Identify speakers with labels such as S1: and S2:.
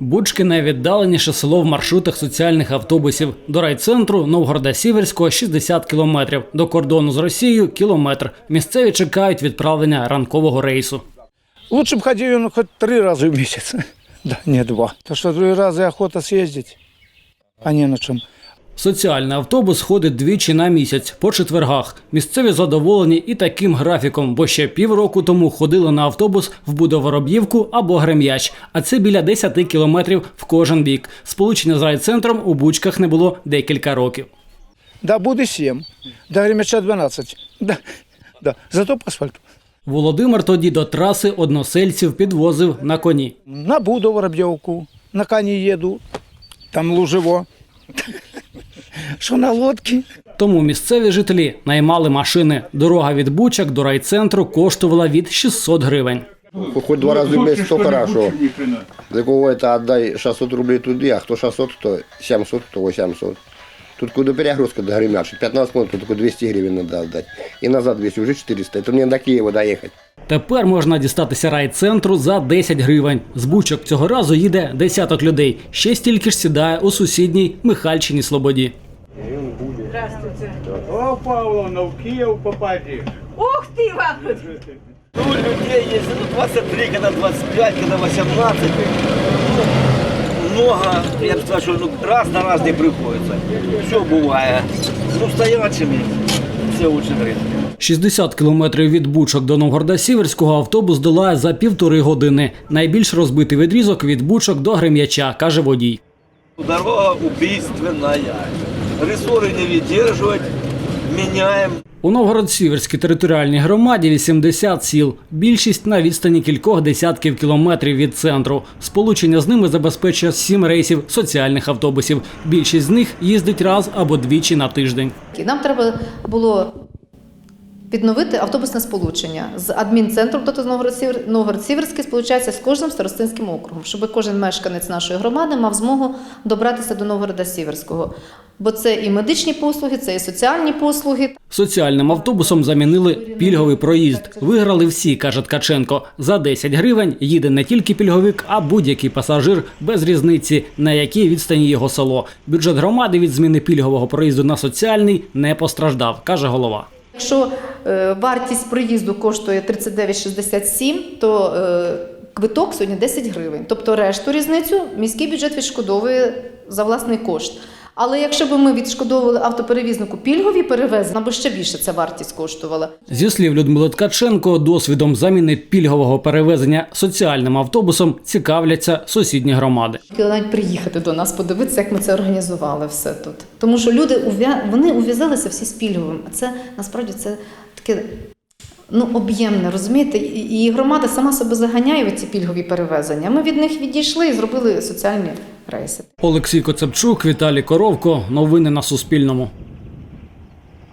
S1: Бучки – найвіддаленіше село в маршрутах соціальних автобусів. До райцентру Новгорода-Сіверського – 60 кілометрів, до кордону з Росією – кілометр. Місцеві чекають відправлення ранкового рейсу.
S2: Лучше б ходив він хоч 3 рази в місяць, да, не 2. То що 2 рази охота з'їздити, а не на чому.
S1: Соціальний автобус ходить двічі на місяць, по четвергах. Місцеві задоволені і таким графіком, бо ще півроку тому ходили на автобус в Будовороб'ївку або Грем'яч, а це біля 10 кілометрів в кожен бік. Сполучення з райцентром у Бучках не було декілька років.
S2: Да, буде 7, до Грем'яча 12, да, зато по асфальту.
S1: Володимир тоді до траси односельців підвозив на коні.
S2: На Будовороб'ївку, на коні їду, там лужево. Що на лодці?
S1: Тому місцеві жителі наймали машини. Дорога від Бучок до райцентру коштувала від 600 гривень.
S3: Хоть 2 рази в місяць, то хорошо. За кого це віддай 600 рублей туди, а хто 600, то 700, то 800. Тут куди перегрузка до Гремяча, 15 минут, то тільки 200 гривень треба віддати. І назад 200, вже 400. Це мені до Києва доїхати.
S1: Тепер можна дістатися райцентру за 10 гривень. З Бучок цього разу їде десяток людей. Ще стільки ж сідає у сусідній Михальчиній Слободі.
S4: Здравствуйте.
S5: О, Павловна, в Киев попади.
S4: Ух ты, вам!
S6: Ну, людей есть, ну, 23, когда 25, когда 18. Много, я бы сказал, что раз на раз не приходится. Все бывает. Ну, стоячими все очень редко.
S1: 60 кілометрів від Бучок до Новгорода-Сіверського автобус долає за 1,5 години. Найбільш розбитий відрізок від Бучок до Грем'яча, каже водій.
S6: Дорога убийственная. Рессоры не выдерживать, меняем.
S1: У Новгород-Сіверській територіальній громаді 80 сіл. Більшість на відстані кількох десятків кілометрів від центру. Сполучення з ними забезпечує 7 рейсів соціальних автобусів. Більшість з них їздить раз або двічі на тиждень.
S7: Нам треба було відновити автобусне сполучення з адмінцентром, тобто Новгород-Сіверський сполучається з кожним старостинським округом, щоб кожен мешканець нашої громади мав змогу добратися до Новгорода-Сіверського. Бо це і медичні послуги, це і соціальні послуги.
S1: Соціальним автобусом замінили пільговий проїзд. Виграли всі, каже Ткаченко. За 10 гривень їде не тільки пільговик, а будь-який пасажир без різниці, на якій відстані його село. Бюджет громади від зміни пільгового проїзду на соціальний не постраждав, каже голова.
S7: Якщо вартість проїзду коштує 39,67, то квиток сьогодні 10 гривень. Тобто решту різницю міський бюджет відшкодовує за власний кошт. Але якщо б ми відшкодовували автоперевізнику пільгові перевезення, нам би ще більше ця вартість коштувала.
S1: Зі слів Людмили Ткаченко, досвідом заміни пільгового перевезення соціальним автобусом цікавляться сусідні громади.
S7: Хотіли навіть приїхати до нас, подивитися, як ми це організували все тут. Тому що люди, вони ув'язалися всі з пільговим. А це, насправді, це таке об'ємне, розумієте? І громада сама себе заганяє в ці пільгові перевезення. Ми від них відійшли і зробили соціальні рейси.
S1: Олексій Коцепчук, Віталій Коровко. Новини на Суспільному.